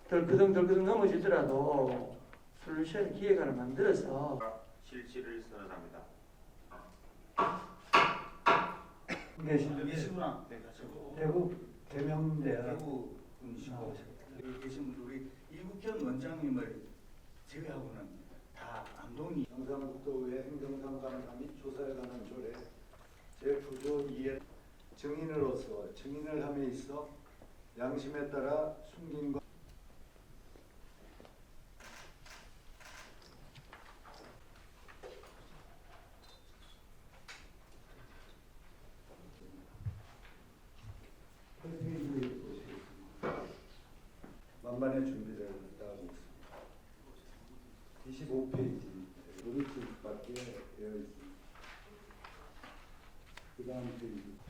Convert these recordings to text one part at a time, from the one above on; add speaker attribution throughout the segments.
Speaker 1: 덜그덩 넘어지더라도 솔루션 기획안을 만들어서
Speaker 2: 실시를 선언합니다.
Speaker 3: 계시구나.
Speaker 1: 대구 개명대학
Speaker 3: 대구 분이시고 여기 계신 우리 이국현 원장님을 제외하고는 다 안동이.
Speaker 4: 경상북도의 행정상담사 및 조사에 관한 조례 제9조 2의 증인으로서 증인을 함에 있어 양심에 따라 숨긴 것 만반의 준비를 하고 있습니다. 25페이지 노릇집밖에 되어 있습니다. 그 다음 페이지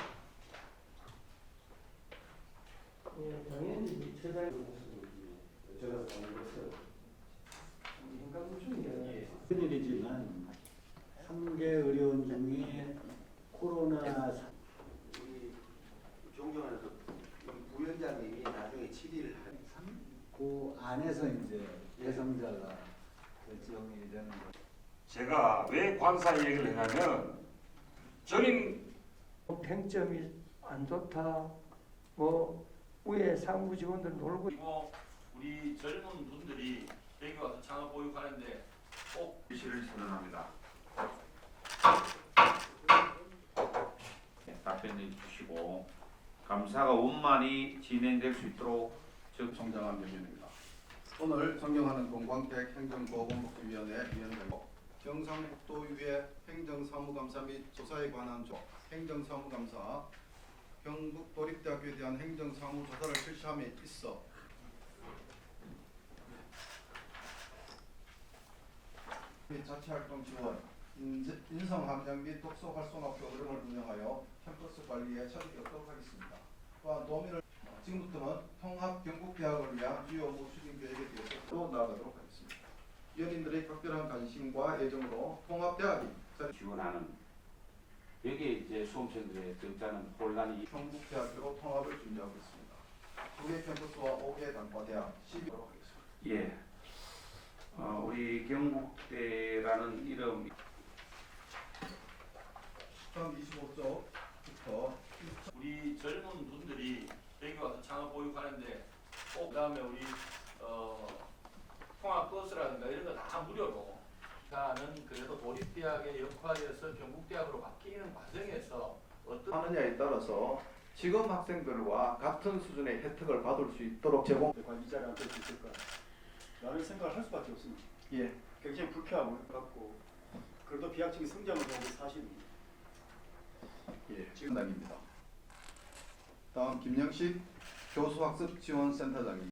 Speaker 1: 당연히 최대 제가 보는 것은 인간중에
Speaker 4: 큰일이지만 3개 의료원 중에 코로나
Speaker 2: 우리 존경하는 부위원장님이 나중에 7일
Speaker 4: 그 안에서 이제 예상자가 결정이 되는 거.
Speaker 5: 제가 왜 관사 얘기를 했냐면 저는
Speaker 1: 팽점이 안 좋다. 뭐 위에 상부 직원들 놀고
Speaker 6: 그리고 우리 젊은 분들이 여기 와서 창업 보육하는데 꼭
Speaker 2: 실시를 선언합니다. 답변해 주시고 감사가 원만히 진행될 수 있도록
Speaker 7: 정장한 명령입니다. 오늘 존경하는 동광택 행정보건복지위원회 위원장님, 경상북도의회 행정사무감사 및 조사에 관한 행정사무감사, 경북도립대학교에 대한 행정사무조사를 실시함에 있어 및 자치활동 지원, 인성함양 및 독서활성화 프로그램을 운영하여 캠퍼스 관리에 처리하도록 하겠습니다. 또한 도민을 지금부터는 통합 경북대학을 위한 주요 업무 추진 계획에 대해서 나아가도록 하겠습니다. 위원님들의 각별한 관심과 애정으로 통합대학이
Speaker 2: 지원하는 여기에 이제 수험생들의 적잖은 혼란이
Speaker 7: 경북대학교로 통합을 준비하고 있습니다. 2개 캠퍼스와 5개 단과대학 12도록 하겠습니다.
Speaker 2: 예. 우리 경북대라는 이름
Speaker 7: 다음 25쪽부터
Speaker 6: 우리 젊은 분들이 여기 와서 창업 보육하는데 꼭 그다음에 우리 통합 버스라든가 이런 거 다 무료로 가는 그래도 도립대학의 역할에서 경북대학으로 바뀌는 과정에서 어떤
Speaker 7: 하느냐에 따라서 지금 학생들과 같은 수준의 혜택을 받을 수 있도록 제공.
Speaker 8: 이 자리에 앉을 수 있을까? 라는 생각을 할 수밖에 없습니다.
Speaker 7: 예.
Speaker 8: 굉장히 불쾌하고 같고 그래도 비약적인 성장을 보고 사실입니다.
Speaker 7: 예. 지금 단입니다. 다음 김영식 교수학습지원센터장님.